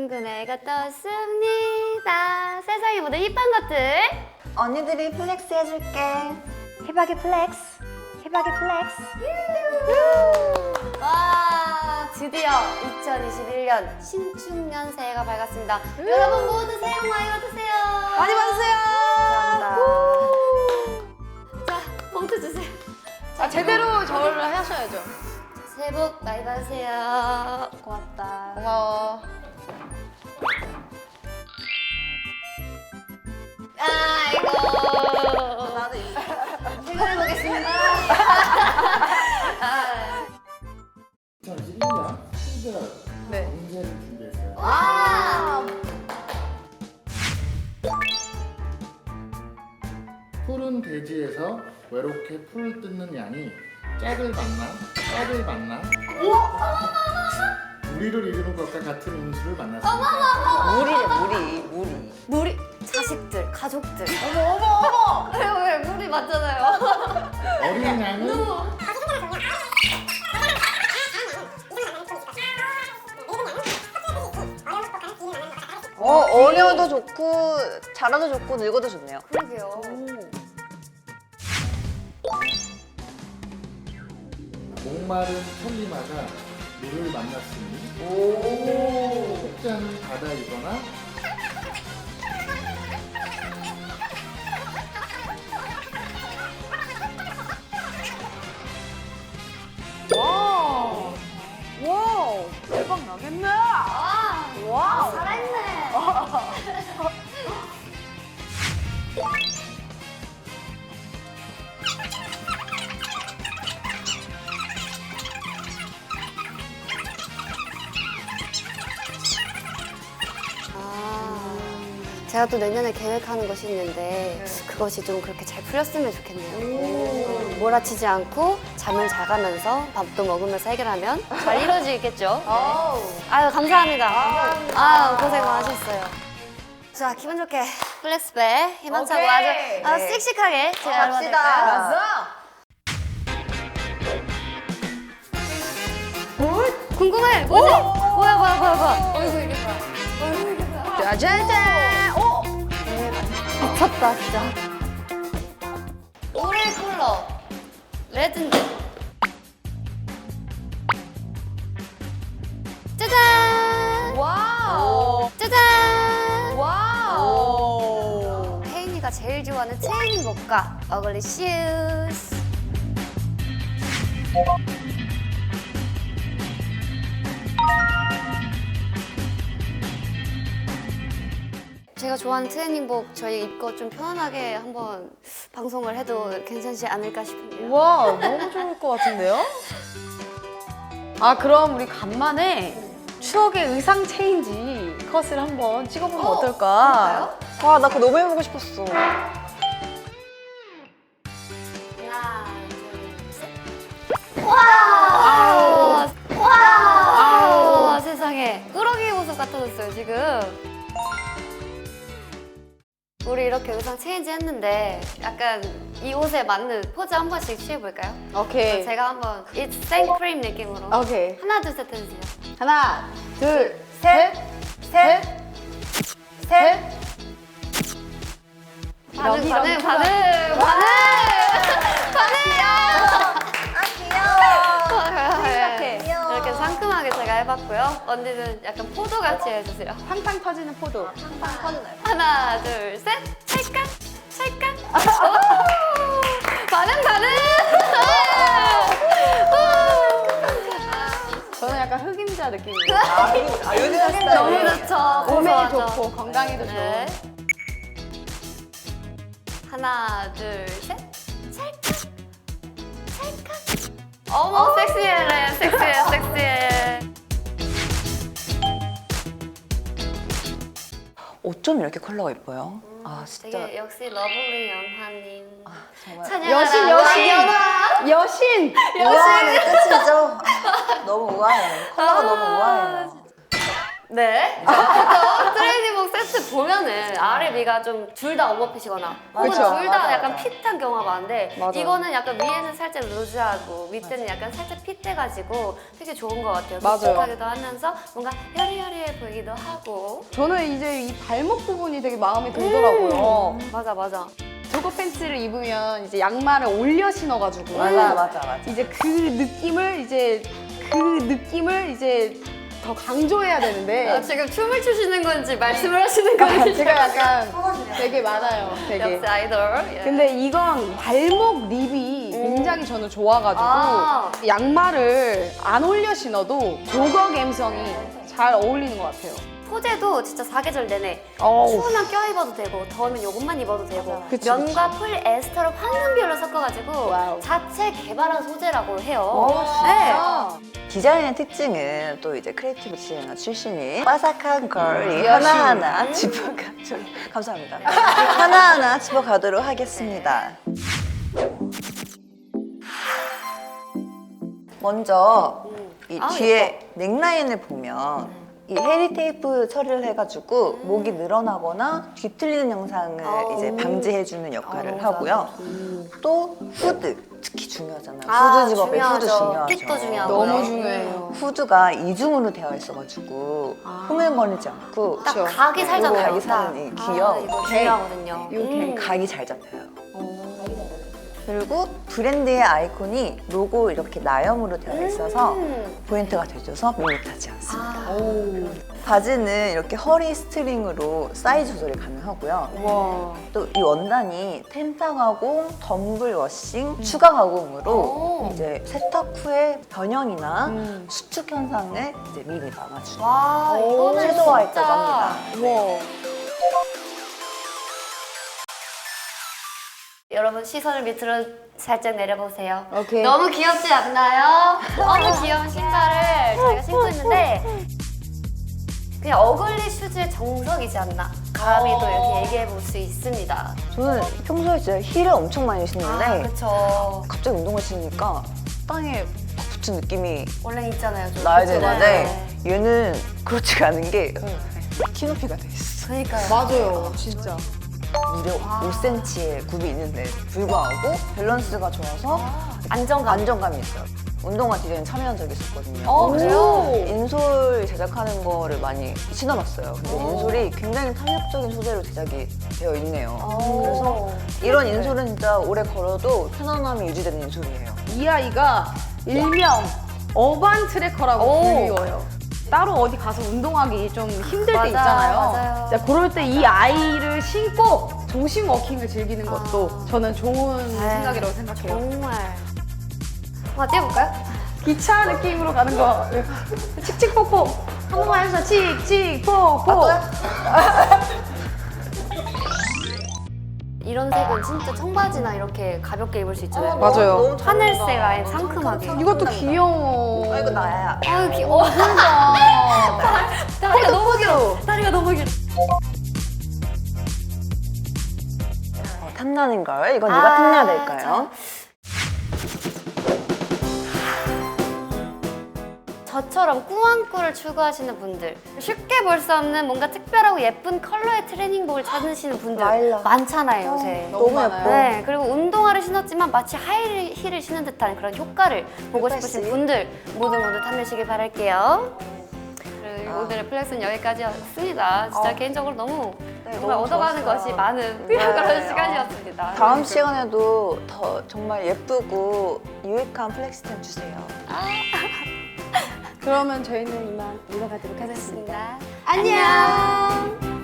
둥근 애가 떴습니다. 세상의 모든 힙한 것들. 언니들이 플렉스 해줄게. 희박이 플렉스. 희박이 플렉스. 와, 드디어 2021년 신축년 새해가 밝았습니다. 여러분 모두 새해 복 많이 받으세요. 많이 받으세요. 감사합니다. 자, 봉투 주세요. 아, 제대로 저를 하셔야죠. 새해 복 많이 받으세요. 고맙다. 고마워. 아이고. 나도 이 퇴근해보겠습니다. 2011년 특별 네. 문제를 준비했어요. 와! 푸른 대지에서 외롭게 풀을 뜯는 양이 짝을 만나 우리를 이루는 것과 같은 운수를 만났습니다. 무리. 무리 자식들, 가족들. 어머. 왜 무리 맞잖아요. 어린 양은 어려도 좋고 잘해도 좋고 늙어도 좋네요. 그러게요. 목마른 천리마가 물을 만났으니 혹자는 바다이거나 와우. 대박 나겠네. 와, 살아있네. 제가 또 내년에 계획하는 것이 있는데 그것이 좀 그렇게 잘 풀렸으면 좋겠네요. 몰아치지 않고 잠을 잘 가면서 밥도 먹으면서 해결하면 잘 이루어지겠죠. 아유, 감사합니다. 아유, 고생 많으셨어요. 자, 기분 좋게 플렉스백 희망차고 오케이. 아주 씩씩하게 제가 갑시다. 궁금해. 뭐지? 뭐야. 어이구, 이게 뭐야. 짜자잔. 미쳤다, 진짜. 올해 컬러 레드인데. 짜잔! 와우. 짜잔! 와우. 혜인이가 제일 좋아하는 체인복과 어글리 슈즈. 제가 좋아하는 트레이닝복 저희 입고 좀 편안하게 한번 방송을 해도 괜찮지 않을까 싶은데요. 와, 너무 좋을 것 같은데요? 아, 그럼 우리 간만에 추억의 의상 체인지 컷을 한번 찍어보면 어떨까? 와, 나 그거 너무 해보고 싶었어. 하나, 둘, 셋. 와! 와! 세상에. 꾸러기 모습 같아졌어요, 지금. 우리 이렇게 의상 체인지 했는데 약간 이 옷에 맞는 포즈 한 번씩 취해볼까요? 오케이. 제가 한번 It's 생크림 느낌으로 오케이. 하나, 둘, 셋 해주세요. 하나, 둘, 셋, 셋, 셋. 반응! 귀여워. 이렇게 상큼하게 제가 해봤고요. 언니는 약간 포도같이 해주세요. 팡팡 터지는 포도. 하나, 둘, 셋! 찰칵! 반응! 저는 약간 흑임자 느낌이에요. 요즘 너무 좋죠. 몸에 고소하죠. 좋고 건강에도 네. 좋은. 하나, 둘, 셋! 찰칵! 어머, 섹시해. 어쩜 이렇게 컬러가 예뻐요? 아, 진짜. 되게 역시 러블리 연하님. 정말. 찬양하라. 여신. 우아함의 끝이죠? 너무 우아해. 컬러가 너무 우아해요. 네. 보통 트레이닝복 세트 보면은 아래 위가 좀 둘 다 오버핏이거나 혹은 그쵸. 둘 다 맞아, 약간 맞아. 핏한 경우가 많은데 맞아. 이거는 약간 위에는 살짝 루즈하고 밑에는 약간 살짝 핏돼가지고 되게 좋은 것 같아요. 맞아요. 촉촉하기도 하면서 뭔가 여리여리해 보이기도 하고. 저는 이제 이 발목 부분이 되게 마음에 들더라고요. 맞아. 저거 팬츠를 입으면 이제 양말을 올려 신어가지고 맞아. 이제 그 느낌을 이제 더 강조해야 되는데 지금 춤을 추시는 건지 말씀을 하시는 건지 제가 약간 되게 많아요. 되게. 역시 아이돌. 예. 근데 이건 발목 립이 굉장히 저는 좋아가지고 아. 양말을 안 올려 신어도 조거 감성이 잘 어울리는 것 같아요. 소재도 진짜 사계절 내내 어우. 추우면 껴입어도 되고 더우면 요것만 입어도 되고 그치, 면과 폴 에스터를 황금 비율로 섞어가지고 와우. 자체 개발한 소재라고 해요. 아. 디자인의 특징은 또 이제 크리에이티브 디자이너 출신이 바삭한 걸이 하나하나 감사합니다. 하나하나 짚어가도록 하겠습니다. 먼저 이 아, 뒤에 넥라인을 보면 이 헤리 테이프 처리를 해가지고 목이 늘어나거나 뒤틀리는 영상을 이제 방지해주는 역할을 하고요. 또 후드 특히 중요하잖아요. 후드 집업에 후드 중요하죠. 핏도 중요하고 너무 중요해요. 후드가 이중으로 되어 있어가지고 흐물거리지 않고 딱 그쵸. 각이 살잖아요. 각이 사는 이 귀여운 이거 중요하거든요. 각이 잘 잡혀요. 그리고 브랜드의 아이콘이 로고 이렇게 나염으로 되어 있어서 포인트가 돼줘서 밋밋하지 않습니다. 바지는 이렇게 허리 스트링으로 사이즈 조절이 가능하고요. 와. 또 이 원단이 템타 가공, 덤블 워싱, 추가 가공으로 오. 이제 세탁 후에 변형이나 수축 현상을 이제 미리 막아주는 와 이거는 최소화했다고 진짜 합니다. 와. 여러분 시선을 밑으로 살짝 내려보세요. 오케이. 너무 귀엽지 않나요? 너무 귀여운 신발을 저희가 신고 있는데 그냥 어글리 슈즈의 정석이지 않나 감히 또 이렇게 얘기해 볼 수 있습니다. 저는 평소에 진짜 힐을 엄청 많이 신는데 그렇죠. 갑자기 운동을 신으니까 땅에 팍 붙은 느낌이 원래 있잖아요. 좀. 나야 그쵸? 되는데 네. 얘는 그렇지가 않은 게 키높이가 돼 있어. 그러니까요. 맞아요. 진짜. 무려 5cm의 굽이 있는데 불구하고 밸런스가 좋아서 안정감이 있어요. 운동화 디자인 참여한 적이 있었거든요. 그래요? 인솔 제작하는 거를 많이 신어봤어요. 근데 인솔이 굉장히 탄력적인 소재로 제작이 되어 있네요. 그래서 이런 인솔은 진짜 오래 걸어도 편안함이 유지되는 인솔이에요. 이 아이가 일명 어반 트래커라고 불리워요. 따로 어디 가서 운동하기 좀 힘들 맞아, 때 있잖아요. 맞아요. 진짜 그럴 때 이 아이를 신고 도심 워킹을 즐기는 것도 저는 좋은 생각이라고 생각해요. 정말. 한번 뛰어볼까요? 기차 느낌으로 가는 거. 칙칙폭폭. 한 번만 해서 칙칙폭폭. 이런 색은 진짜 청바지나 이렇게 가볍게 입을 수 있잖아요. 맞아요. 하늘색 아예 상큼하게. 이것도 귀여워. 아, 이거 나야. 아유 귀여워. 다리가 너무 길어. 다리가 너무 길어. 탐나는 걸 이건 누가 탐내야 될까요? 저처럼 꾸안꾸를 추구하시는 분들, 쉽게 볼 수 없는 뭔가 특별하고 예쁜 컬러의 트레이닝복을 찾으시는 분들 라일락. 많잖아요 요새. 너무 너무 많아요. 네, 그리고 운동화를 신었지만 마치 하이힐을 신은 듯한 그런 효과를 보고 싶으신 분들 모두 탐내시길 바랄게요. 그리고 오늘의 플렉스는 여기까지였습니다. 진짜 개인적으로 너무 정말 너무 얻어가는 좋았어요. 것이 많은 그런 시간이었습니다. 다음 시간에도 더 정말 예쁘고 유익한 플렉스템 주세요. 그러면 저희는 이만 물러가도록 하겠습니다. 안녕.